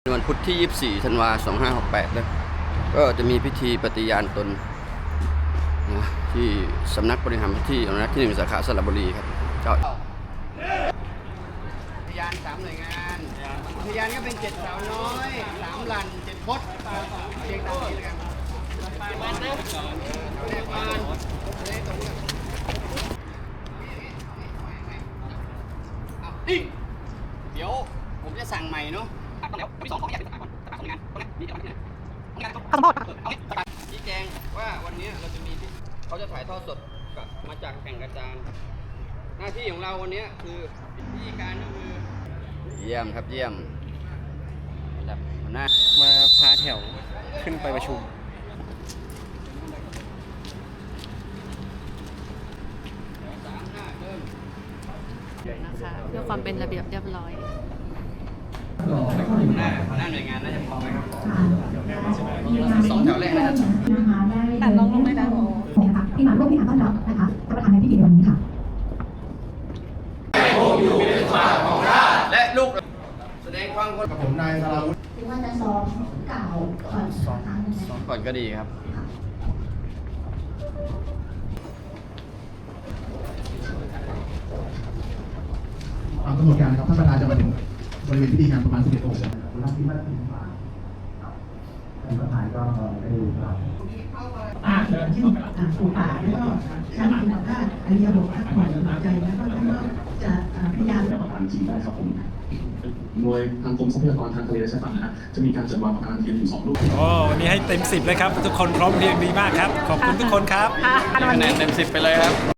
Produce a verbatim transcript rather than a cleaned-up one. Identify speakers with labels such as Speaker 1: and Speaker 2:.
Speaker 1: วันพุธที่ยี่สิบสี่ธันวาคมสองพันห้าร้อยหกสิบแปดนะก็จะมีพิธีปฏิญาณตนนะที่สำนักบริหารที่อนุรักษ์ที่หนึ่งสาขาสระบุรีครับก็พยานสามหน่วยงานพยานก็เป็นเจ็ดสาวน้อยสามหลันเจ็ดพดเรียงตามนี้แล้วกันบ้านนะแม่บ้านนี่เดี๋ยวผมจะสั่งใหม่เนาะต้องแล้วที่สองของไม่อยากเป็นสถาบันสถาบันของงานตรงนี้มีอะไรที่ไหนงานต้องบอกเอาชี้แจงว่าวันนี้เราจะมีเขาจะถ่ายทอดสดกับมาจากแข่งกระจานหน้าที่ของเราวันนี้คือวิธีการก็คือเยี่ยมครับเยี่ยมแบบหัวหน้า
Speaker 2: มาพาแถวขึ้นไปประชุม
Speaker 3: นะคะเพื่อความเป็นระเบียบเรียบร้อย
Speaker 1: หน้าหน้าหน่วยงานน่าจะพอไหมครับสองแถวแรกนะครับ
Speaker 3: แต่ลองลงเลยนะ
Speaker 4: นะคะที่มาร่วมในการต้อนรับนะคะท่านประธานในพิธีในวันนี้ค่ะ
Speaker 1: ให้คงอยู่เป็นสมบัติของชาติและลูกแสดงความกับผมนายสราวุฒิ
Speaker 4: หรือว่าจะซ้อมกล่าวก่อนซ้อมซ้อม
Speaker 1: ก่อนก็ดีครับ
Speaker 5: ตามกำหนดการครับท่านประธานจะมาถึงบริเวณพิธีงานประมาณสิบเอ็ดโมงรับที่มาถึงท่านประธานก็ได้ดูครับ
Speaker 4: อ่าเดินที่อ่าปูป่าแล้วก็การคุณภาพอริยบทพักผ่อนหายใจแล้วก็ท่านก็จะพยายาม
Speaker 5: จะประธานจริงได้ครับผมหน่วยทางกรมทรัพยากรทางทะเลและชายฝั่งนะฮะจะมีการจัดวางประธานเทียนอยู่สองรูป
Speaker 2: โอ้วันนี้ให้เต็มสิบเลยครับทุกคนพร้อมเพรียงดีมากครับขอบคุณทุกคนครับ
Speaker 1: คะแนนเต็มสิบไปเลยครับ